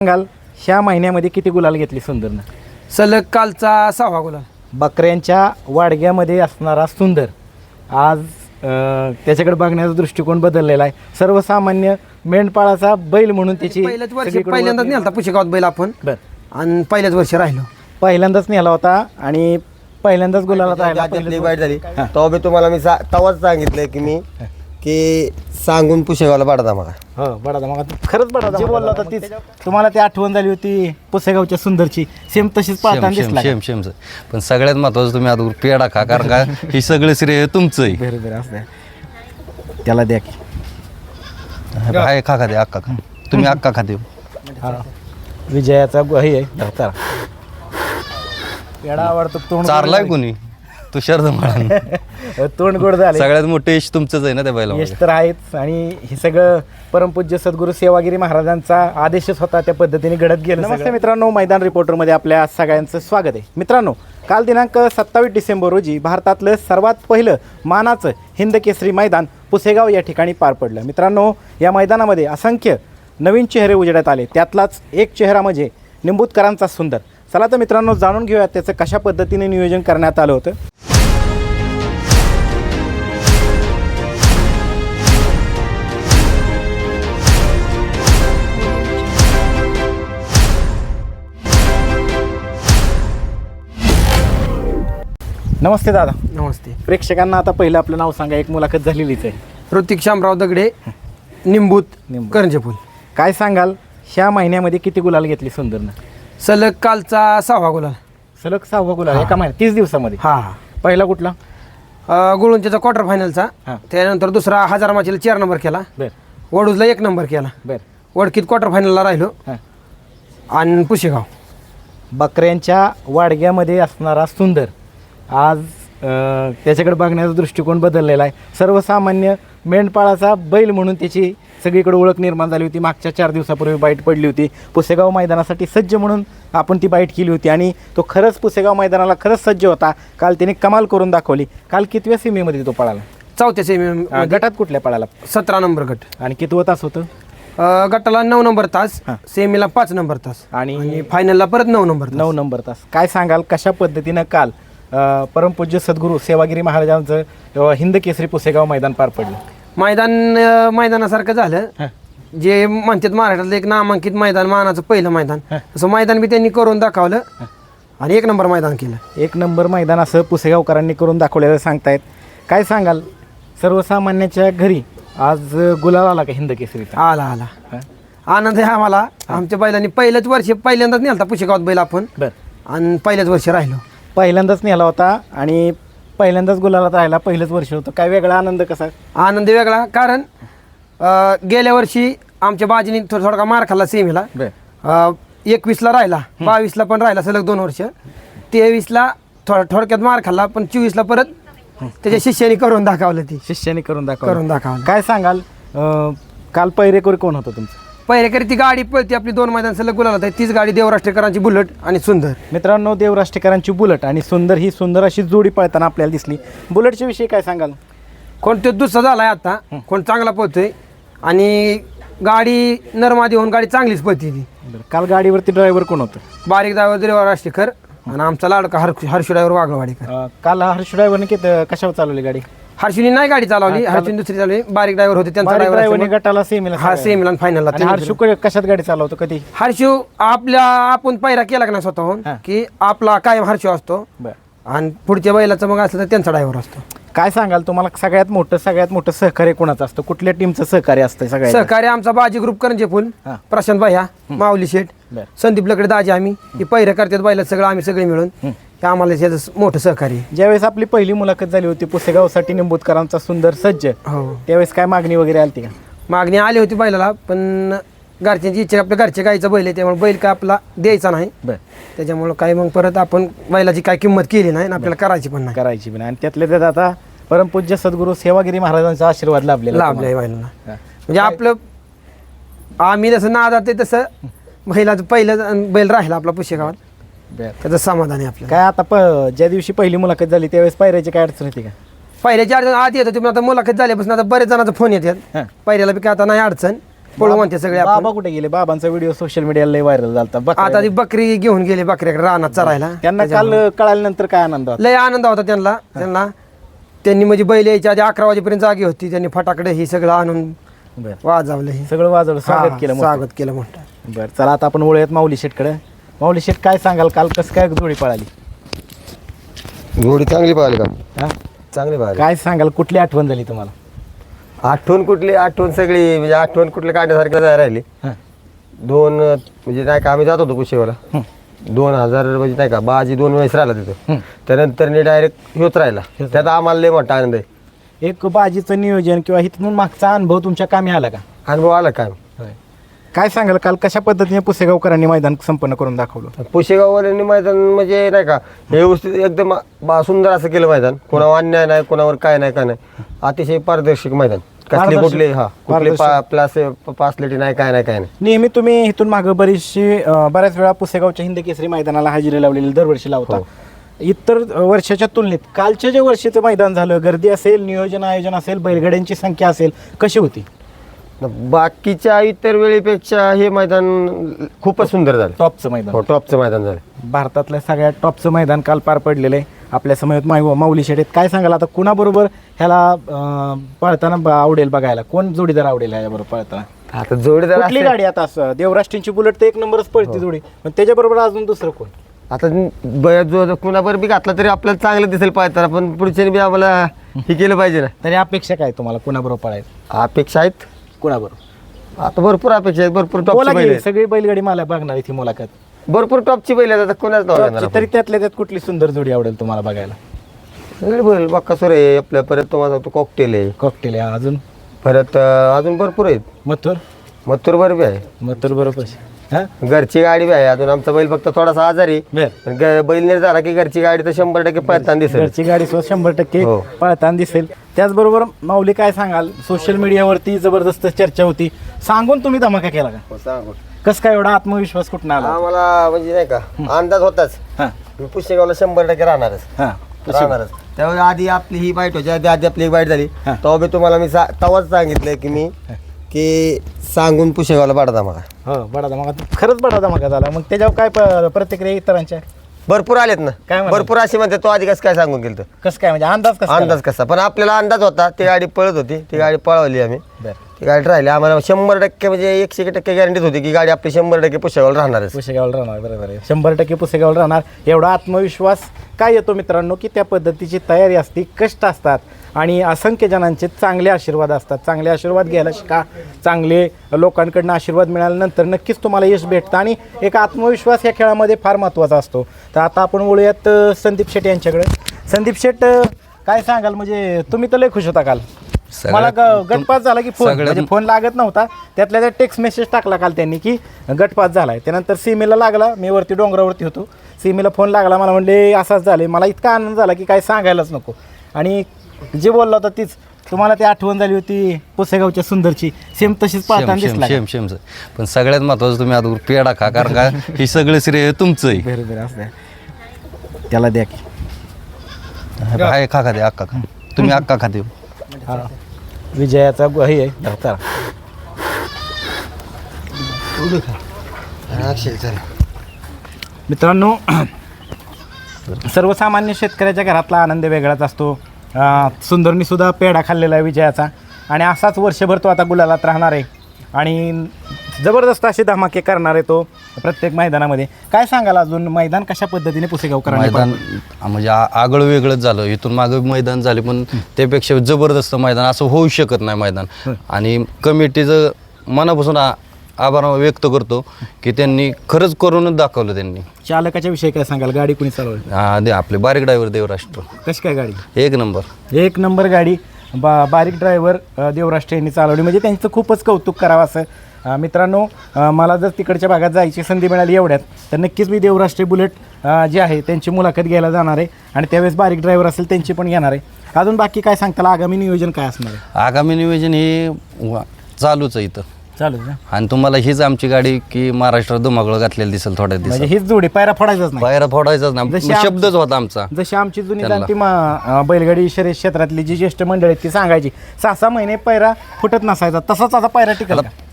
सांगाल ह्या महिन्यामध्ये किती गुलाल घेतली सुंदरनं? सलग कालचा 6वा गुलाल. बकऱ्यांच्या वाडग्यामध्ये असणारा सुंदर आज त्याच्याकडे बघण्याचा दृष्टिकोन बदललेला आहे. सर्वसामान्य मेंढपाळाचा बैल म्हणून त्याची पहिल्याच वर्षी पहिल्यांदाच नेलता पुशेगावात बैल आपण. बर आणि पहिल्याच वर्षी राहिलो. पहिल्यांदाच नेला होता आणि पहिल्यांदाच गुलाला राहिला. वाईट झाली तेव्हा मी तुम्हाला तेव्हाच सांगितलं की मी की सांगून पुशेगावला पाडता मला. हो बडा मग खरंच बडा जे बोलला होता तीच तुम्हाला ती आठवण झाली होती पुसेगावच्या सुंदरची. सेम तशीच पाहताना दिसला. शेम पण सगळ्यात महत्वाचं तुम्ही आता पेढा खा, कारण का हे सगळं श्रेय तुमचं आहे. बरोबर असं त्याला द्या की आहे खा खाते अक्का खा, तुम्ही अक्का खाते. हा. विजयाचा हे आहे धरता पेढा आवडतो. तोंड चारलाय कोणी तुषार धमाळा. तोंड गोड झाले. सगळ्यात मोठं यश तुमचंच आहे ना त्या बैला. यश तर आहेच आणि हे सगळं परमपूज्य सद्गुरू सेवागिरी महाराजांचा आदेशच होता, त्या पद्धतीने घडत गेलं. नमस्ते मित्रांनो, मैदान रिपोर्टरमध्ये आपल्या सगळ्यांचं स्वागत आहे. मित्रांनो, काल दिनांक 27 डिसेंबर रोजी भारतातलं सर्वात पहिलं मानाचं हिंद केसरी मैदान पुसेगाव या ठिकाणी पार पडलं. मित्रांनो, या मैदानामध्ये असंख्य नवीन चेहरे उजेडात आले. त्यातलाच एक चेहरा म्हणजे निंबूतकरांचा सुंदर. चला तर मित्रांनो, जाणून घेऊयात त्याचं कशा पद्धतीने नियोजन करण्यात आलं होतं. नमस्ते दादा. नमस्ते. प्रेक्षकांना आता पहिलं आपलं नाव सांगा. एक मुलाखत झालेलीच आहे. ऋतिक शामराव दगडे, निंबूत, करंजेपूल. काय सांगाल ह्या महिन्यामध्ये किती गुलाल घेतली सुंदरनं? सलग कालचा 6वा गुलाल. सलग 6वा गुलाल एका महिन्यात 30 दिवसामध्ये. हा. पहिला कुठला? गुळुंच्याचा क्वार्टर फायनलचा. हा. त्यानंतर दुसरा हजार माचीला 4 नंबर केला. बर वडूजला 1 नंबर केला. बर वडकीत क्वार्टर फायनलला राहिलो. हां. आणि पुशेगाव. बकऱ्यांच्या वाडग्यामध्ये असणारा सुंदर आज त्याच्याकडे बघण्याचा दृष्टिकोन बदललेला आहे. सर्वसामान्य मेंढपाळाचा बैल म्हणून त्याची सगळीकडे ओळख निर्माण झाली होती. मागच्या 4 दिवसापूर्वी बाईट पडली होती. पुसेगाव मैदानासाठी सज्ज म्हणून आपण ती बाईट केली होती आणि तो खरंच पुसेगाव मैदानाला खरंच सज्ज होता. काल त्याने कमाल करून दाखवली. काल कितव्या सीमेमध्ये तो पळाला? 4थ्या सेमी. गटात कुठल्या पळाला? 17 नंबर गट. आणि कितवं तास होतं? गटाला 9 नंबर तास. हां. सेमीला 5 नंबर तास. आणि आणि फायनलला परत 9 नंबर तास. 9 नंबर तास. काय सांगाल कशा पद्धतीनं काल परमपूज्य सद्गुरू सेवागिरी महाराजांचं हिंद केसरी पुसेगाव मैदान पार पडलं? मैदानासारखं झालं. जे म्हणतात महाराष्ट्रातलं एक नामांकित मैदान, मानाचं पहिलं मैदान, असं मैदान बी त्यांनी करून दाखवलं आणि 1 नंबर मैदान केलं. 1 नंबर मैदान असं पुसेगावकरांनी करून दाखवलेलं सांगतायत. काय सांगाल सर्वसामान्याच्या घरी आज गुलाल आला का हिंद केसरीचा? आला आनंद आहे आम्हाला. आमच्या बैलांनी पहिल्याच वर्षी पहिल्यांदाच नेलता पुशेगावात बैल आपण. बर आणि पहिल्याच वर्षी राहिलो. पहिल्यांदाच नेला होता आणि पहिल्यांदाच गुलालात राहिला. पहिलंच वर्ष होतं. काय वेगळा आनंद कसा? आनंद वेगळा, कारण गेल्या वर्षी आमच्या बाजीने थोडा मार खाल्ला सेमीला. 21ला राहिला, 22ला पण राहिला सलग 2 वर्ष. 23ला थोडक्यात मार खाल्ला, पण 24ला परत त्याच्या शिष्याने करून दाखवलं. ती शिष्याने करून दाखवलं. काय सांगाल काल पहिरेकरी कोण होतं तुमचं? पहिरेकरी ती गाडी पळती आपली 2 मैदान सलग गुलाल आहे. तीच गाडी देवराष्ट्रेकरांची बुलेट आणि सुंदर. मित्रांनो, देवराष्ट्रेकरांची बुलेट आणि सुंदर ही सुंदर अशी जोडी पळताना आपल्याला दिसली. बुलेटच्या विषयी काय सांगाल? कोण तो दुसरा झालाय आता, कोण चांगला पळतोय आणि गाडी नरमादी होऊन गाडी चांगलीच पळती. ती काल गाडीवरती ड्रायव्हर कोण होतं? बारीक ड्रायव्हर देवराष्ट्रेकर आणि आमचा लाडका हर्षू ड्रायव्हर वाघवाडीकर. काल हर्ष ड्रायव्हरने कशावर चालवली गाडी? हर्षूनी नाही गाडी चालवली, हर्षूनी दुसरी चालवली. बारीक ड्रायव्हर होते त्यांचा ड्रायव्हरने गटाला सेमीला. हा, सेमीला फायनलला. आणि हर्षू कशात गाडी चालवतो? कधी हर्षू आपण पायरा केला का नाही स्वतःहून, की आपला कायम हर्षू असतो आणि पुढच्या बैलाचं मग असलं तर त्यांचा ड्रायव्हर असतो. काय सांगाल तुम्हाला सगळ्यात मोठं सहकार्य कोणाचं असतं? कुठल्या टीमचं सहकार्य असतं? सगळ्यात सहकार्य आमचा बाजी ग्रुप करंजेफुल, प्रशांत भैया, माऊली शेठ, संदीप लकडे, दाजी. आम्ही ही पहिऱ्या करतात बैलात सगळं आम्ही सगळे मिळून. हे आम्हाला याचं मोठं सहकार्य. ज्यावेळेस आपली पहिली मुलाखत झाली होती पुसेगावसाठी निंबूतकरांचा सुंदर सज्ज, हो, त्यावेळेस काय मागणी वगैरे आली का? मागणी आली होती बैलाला, पण घरच्यांची इच्छा, आपल्या घरच्या गाईचा बैल आहे त्यामुळे बैल काय आपला द्यायचा नाही. त्याच्यामुळं काय मग परत आपण बैलाची काय किंमत केली नाही आणि आपल्याला करायची पण नाही. आणि त्यातल्या त्यात आता परमपूज्य सद्गुरू सेवागिरी महाराजांचा आशीर्वाद लाभलेला आहे बैलाला. म्हणजे आपलं आम्ही जसं नादात आहे तसं बैलाचं पहिलं बैल राहिला आपला पुशेगावात. त्याचं समाधान आहे आपलं. काय आता ज्या दिवशी पहिली मुलाखत झाली त्यावेळेस पायऱ्याची काय अडचण होती का? पहिल्याच्या अडचण आधी येतं. तुम्ही आता मुलाखत झाल्यापासून आता बरेच जणांचा फोन येतात. पहिल्याला बी काय आता नाही अडचण. पळू म्हणते सगळे आपण. बाबा कुठे गेले? बाबांचा व्हिडिओ सोशल मीडियाला लय व्हायरल झाला. आता ती बकरी घेऊन गेली बकऱ्याकडे रानात चरायला. त्यांना काल कळाल्यानंतर काय आनंद होता? लय आनंद होता त्यांनी म्हणजे बैल यायच्या आधी 11 वाजेपर्यंत जागी होती. त्यांनी फटाकडे हे सगळं आणून बरं. वाजवलं, हे सगळं वाजवलं, स्वागत केलं मोठं. स्वागत केलं मोठं. बरं, चला आता आपण वळूयात माऊली शेटकडे. माऊली शेट, काय सांगाल, काल कसं काय जोडी पळाली? घोडी चांगली पाहिली का? हा? चांगली पाहिली. काय सांगाल, कुठली आठवण झाली तुम्हाला? आठवण सगळी म्हणजे आठवण कुठली काढण्यासारखी नाही राहिली. हा. दोन म्हणजे नाही का आम्ही जात होतो कुशेवाला 2000 म्हणजे नाही का बाजी 2 वेळेस राहिला तिथं. त्यानंतर डायरेक्ट ह्योच राहिला. त्यात आम्हाला लय मोठा आनंद आहे. एक बाजीचं नियोजन किंवा इथून मागचा अनुभव तुमच्या कामी आला का? अनुभव आला काय? काय सांगाल, काल कशा पद्धतीने पुसेगावकरांनी मैदान संपन्न करून दाखवलं? पुशेगाववाल्यांनी मैदान म्हणजे नाही का व्यवस्थित एकदम सुंदर असं केलं मैदान. कोणावर अन्याय नाही, कोणावर काय नाही, काय नाही. अतिशय पारदर्शक मैदान. कसली कुठली कुठली पासलेटी नाही, काय नाही, काय नाही. नेहमी तुम्ही इथून मागं बऱ्याच वेळा पुसेगावच्या हिंद केसरी मैदानाला हजेरी लावलेली दरवर्षी लावता. इतर वर्षाच्या तुलनेत कालच्या जे वर्षीचं मैदान झालं, गर्दी असेल, नियोजन आयोजन असेल, बैलगाड्यांची संख्या असेल, कशी होती? बाकीच्या इतर वेळेपेक्षा हे मैदान खूपच सुंदर झालं. टॉपचं मैदान. टॉपचं मैदान झालं. भारतातल्या सगळ्यात टॉपचं मैदान काल पार पडलेलं आहे. आपल्या समयात माऊली शेट आहेत. काय सांगाल आता, कुणाबरोबर ह्याला पळताना आवडेल बघायला? कोण जोडीदार आवडेल ह्याच्याबरोबर पळताना? आता जोडीदार कुठली गाडी आता असं देवराष्ट्रींची बुलेट तर 1 नंबरच पळते जोडी, पण त्याच्याबरोबर अजून दुसरं कोण? आता जो कुणाबर बी घातला तरी आपल्याला चांगलं दिसेल पाहताना, पण पुढच्याने बी आम्हाला हे केलं पाहिजे ना. तरी अपेक्षा काय तुम्हाला, कुणाबरोबर पळायचं? अपेक्षा आहेत कुणाबरोबर? आता भरपूर अपेक्षा आहेत. भरपूर बोला टॉपची की, बैल सगळी बैलगाडी मला बघणार इथे मुलाखत. भरपूर टॉपची बैल आहेत. आता कोणाच नाव घेणार आपण? तरी त्यातल्या त्यात कुठली सुंदर जोडी आवडेल तुम्हाला बघायला? सगळे बैल बक्कासूर आहे आपल्या, परत तुम्हाला तो कॉकटेल आहे, कॉकटेल आहे, अजून परत अजून भरपूर आहेत. मथुर मथुर बी आहे. मथुर बरोबर. हा, घरची गाडी बी आहे. अजून आमचा बैल फक्त थोडासा आजारी बर. पण बैल नाही झाला की घरची गाडी तर 100% पळताना दिसेल. घरची गाडी सुद्धा 100% हो. पळताना दिसेल. त्याचबरोबर माऊली, काय सांगाल, सोशल मीडियावरती जबरदस्त चर्चा होती, सांगून तुम्ही धमाका केला का? कसं काय एवढा आत्मविश्वास कुठून आला? आम्हाला म्हणजे नाही का अंदाज होताच हा, मी पुशेगावला 100% राहणारच. हा, त्यावेळी आधी आपली ही बाईट होती, आधी आपली एक बाईट झाली. हा. तेव्हा मी तुम्हाला तेव्हाच सांगितलं की मी की सांगून पुशेगावला बडा धमाका. हो, बडा धमाका. खरंच बडा धमाका झाला. मग त्याच्यावर काय प्रतिक्रिया इतरांच्या? भरपूर आलेत ना. काय म्हणतात? भरपूर असे म्हणते तो आधी कसं काय सांगून गेलं. कसं काय म्हणजे अंदाज कसा? अंदाज कसा, पण आपल्याला अंदाज होता. ती गाडी पळत होती, ती गाडी पळवली आम्ही. बरं. ती गाडी राहिली. आम्हाला 100% म्हणजे 100% गॅरंटीच होती की गाडी आपली 100% पुशेगावला राहणारच. पुसेगावला राहणार, बरोबर आहे. 100% पुसेगावला राहणार एवढा आत्मविश्वास काय येतो मित्रांनो, की त्या पद्धतीची तयारी असते, कष्ट असतात आणि असंख्य जणांचे चांगले आशीर्वाद असतात. चांगले आशीर्वाद घ्यायला शिका. चांगले लोकांकडनं आशीर्वाद मिळाल्यानंतर नक्कीच तुम्हाला यश भेटतं आणि एक आत्मविश्वास या खेळामध्ये फार महत्त्वाचा असतो. तर आता आपण बोलूयात संदीप शेट यांच्याकडे. संदीप शेट, काय सांगाल, म्हणजे तुम्ही तर लय खुश होता काल. मला गटपास झाला की फोन लागत नव्हता, त्यातल्या त्यात टेक्स्ट मेसेज टाकला काल त्यांनी की गटपास झालाय. त्यानंतर सीमेला लागला, मी वरती डोंगरावरती होतो, सीमेला फोन लागला, मला म्हणले असाच झाले. मला इतका आनंद झाला की काय सांगायलाच नको. आणि जे बोलला होता तीच तुम्हाला ती आठवण झाली होती पुसेगावच्या सुंदरची, सेम तशीच पाहताना दिसला. शेम पण सगळ्यात महत्वाचं तुम्ही आता पेढा खा, कारण का ही सगळं श्रेय तुमचं आहे. बरोबर असं त्याला द्या की. आहे, खा दे अक्का खा. तुम्ही अक्का खाते. हा, विजयाचा हे आहे. चला. मित्रांनो, सर्वसामान्य शेतकऱ्याच्या घरातला आनंद वेगळाच असतो. सुंदरनी सुद्धा पेढा खाल्लेला आहे विजयाचा आणि असाच वर्षभर तो आता गुलालात राहणार आहे आणि जबरदस्त असे धमाके करणार आहे तो प्रत्येक मैदानामध्ये. काय सांगाल अजून, मैदान कशा पद्धतीने पुसेगावकरांनी मैदान म्हणजे आगळं वेगळंच झालं. इथून मागं मैदान झाले, पण त्यापेक्षा जबरदस्त मैदान असं होऊ शकत नाही मैदान. आणि कमिटीचं मनापासून आभार व्यक्त करतो की त्यांनी खरंच करूनच दाखवलं. त्यांनी चालकाच्या विषयी काय सांगाल, गाडी कुणी चालवली? आपले बारीक ड्रायव्हर देवराष्ट्र. कशी काय गाडी? एक नंबर गाडी बारीक ड्रायव्हर देवराष्ट्र यांनी चालवली, म्हणजे त्यांचं खूपच कौतुक करावं असं. मित्रांनो, मला जर तिकडच्या भागात जायची संधी मिळाली एवढ्यात तर नक्कीच मी देवराष्ट्र बुलेट जे आहे त्यांची मुलाखत घ्यायला जाणार आहे आणि त्यावेळेस बारीक ड्रायव्हर असेल त्यांची पण घेणार आहे. अजून बाकी काय सांगताल, आगामी नियोजन काय असणार आहे? आगामी नियोजन हे चालूच आहे इथं, चालू ना. आणि तुम्हाला हीच आमची गाडी की महाराष्ट्रात धुमाकूळ घातलेली दिसेल थोड्या दिवसात. म्हणजे हीच जोडी, पायरा फोडायचाच नाही, बाहेर फोडायचाच नाही, शब्दच होता आमचा. जशी आमची जुनी जाणती बैलगाडी शर्यत क्षेत्रातली जी ज्येष्ठ मंडळी आहेत ती सांगायची 6-6 महिने पायरा फुटत नसायचा, तसाच आता पायरा टिकला.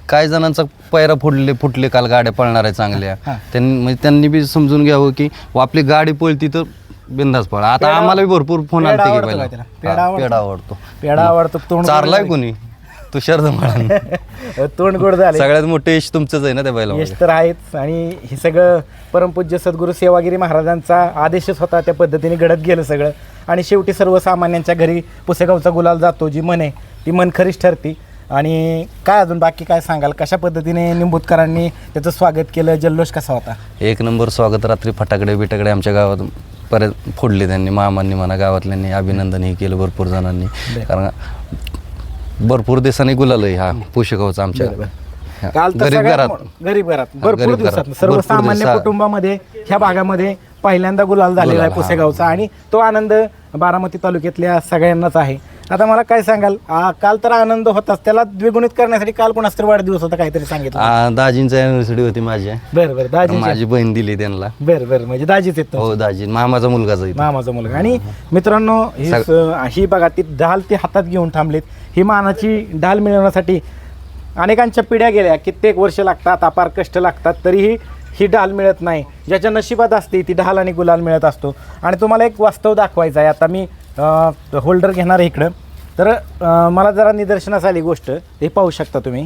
काही जणांचा पैरा फुटले काल गाड्या पळणार आहे चांगल्या त्यांनी बी समजून घ्यावं की आपली गाडी पळती तर बिंदास पळा. आता आम्हाला बी भरपूर फोन आले की आवडतो का त्याला? पेढा आवडतो. पेढा आवडतो. तोंड चारलाय कोणी तुषार धमाळानं. तोंड गोड झाले. सगळ्यात मोठं यश तुमचंच आहे ना त्या बैला. यश तर आहेच आणि हे सगळं परमपूज्य सद्गुरू सेवागिरी महाराजांचा आदेशच होता, त्या पद्धतीने घडत गेलं सगळं. आणि शेवटी सर्वसामान्यांच्या घरी पुसेगावचा गुलाल जातो, जी मन आहे ती मन खरीच ठरती. आणि काय अजून बाकी काय सांगाल, कशा पद्धतीने निंबूतकरांनी त्याचं स्वागत केलं, जल्लोष कसा होता? एक नंबर स्वागत. रात्री फटाकडे बिटाकडे आमच्या गावात परत फोडले त्यांनी, मामांनी म्हणा गावातल्यांनी अभिनंदनही केलं भरपूर जणांनी. कारण भरपूर दिवसांनी गुलाल आहे हा पुसेगावचा आमच्या काल तर गरीब घरात गरीब घरात भरपूर दिवसात सर्वसामान्य कुटुंबामध्ये ह्या भागामध्ये पहिल्यांदा गुलाल झालेला आहे पुसेगावचा. आणि तो आनंद बारामती तालुक्यातल्या सगळ्यांनाच आहे. आता मला काय सांगाल, काल तर आनंद होताच, त्याला द्विगुणित करण्यासाठी काल कोणाचा तरी वाढदिवस होता काहीतरी सांगितलं. दाजींची अॅनिव्हर्सरी होती माझी. बरं बरं. दाजी माझी बहीण दिली त्यांना. बरं बरं. म्हणजे दाजीच येतो. हो दाजी मामाचा मुलगाच आहे. मामाचा मुलगा. आणि मित्रांनो ही बघा, ती ढाल ती हातात घेऊन थांबलीत. ही मानाची ढाल मिळवण्यासाठी अनेकांच्या पिढ्या गेल्या, कित्येक वर्ष लागतात, अपार कष्ट लागतात, तरीही ही ढाल मिळत नाही. ज्याच्या नशिबात असते ती ढाल आणि गुलाल मिळत असतो. आणि तुम्हाला एक वास्तव दाखवायचं आहे. आता मी होल्डर घेणार आहे इकडं, तर मला जरा निदर्शनास आली गोष्ट, हे पाहू शकता तुम्ही.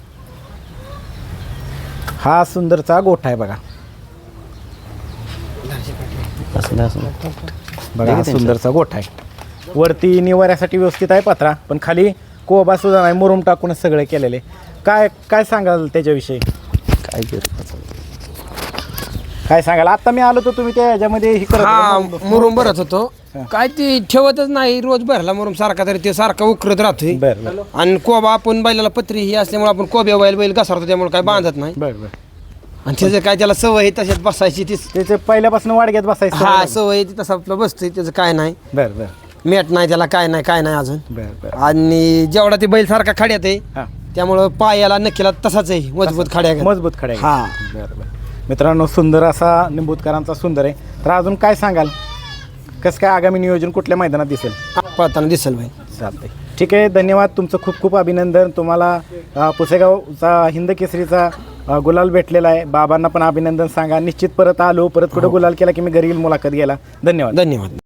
हा सुंदरचा गोठा आहे बघा. बघा हा सुंदरचा गोठा आहे. वरती निवाऱ्यासाठी व्यवस्थित आहे पत्रा, पण खाली कोबा सुद्धा नाही, मुरुम टाकूनच सगळे केलेले. काय काय सांगाल त्याच्याविषयी? काय सांगाल? आता मी आलो तर तुम्ही त्या ह्याच्यामध्ये हे करत होते. मुरुम भरत होतो, काय ती ठेवतच नाही. रोज भरला मुरुम सारखा, तरी ते सारखा उकरत राहतोय. बरं बरं आणि कोबा आपण बैलाला पत्री ही असल्यामुळे आपण कोब्या बैल घसरतो, त्यामुळे काय बांधत नाही. बरं बरं. आणि त्याचं काय त्याला सवय आहे तशाच बसायची, ती त्याचे पहिल्यापासून वाडग्यात बसायचं. हा सवय आहे, ती तसा आपलं बसतोय, त्याचं काय नाही. बरं बरं मेट नाही त्याला, काय नाही अजून. बरं बरं. आणि जेवढा ते बैल सारखा खड्यात आहे, हां त्यामुळं पायाला नक्कीला तसाच आहे, मजबूत खड्या. मजबूत खड्या. हा. बरं बरं. मित्रांनो सुंदर असा निंबूतकरांचा सुंदर आहे. तर अजून काय सांगाल, कसं काय आगामी नियोजन कुठल्या मैदानात दिसेल? पळताना दिसेल भाई. चालतंय, ठीक आहे. धन्यवाद, तुमचं खूप खूप अभिनंदन. तुम्हाला पुसेगावचा हिंद केसरीचा गुलाल भेटलेला आहे. बाबांना पण अभिनंदन सांगा. निश्चित परत आलो, परत कुठं गुलाल केला की मी घरी येईल मुलाखत घ्यायला. धन्यवाद. धन्यवाद.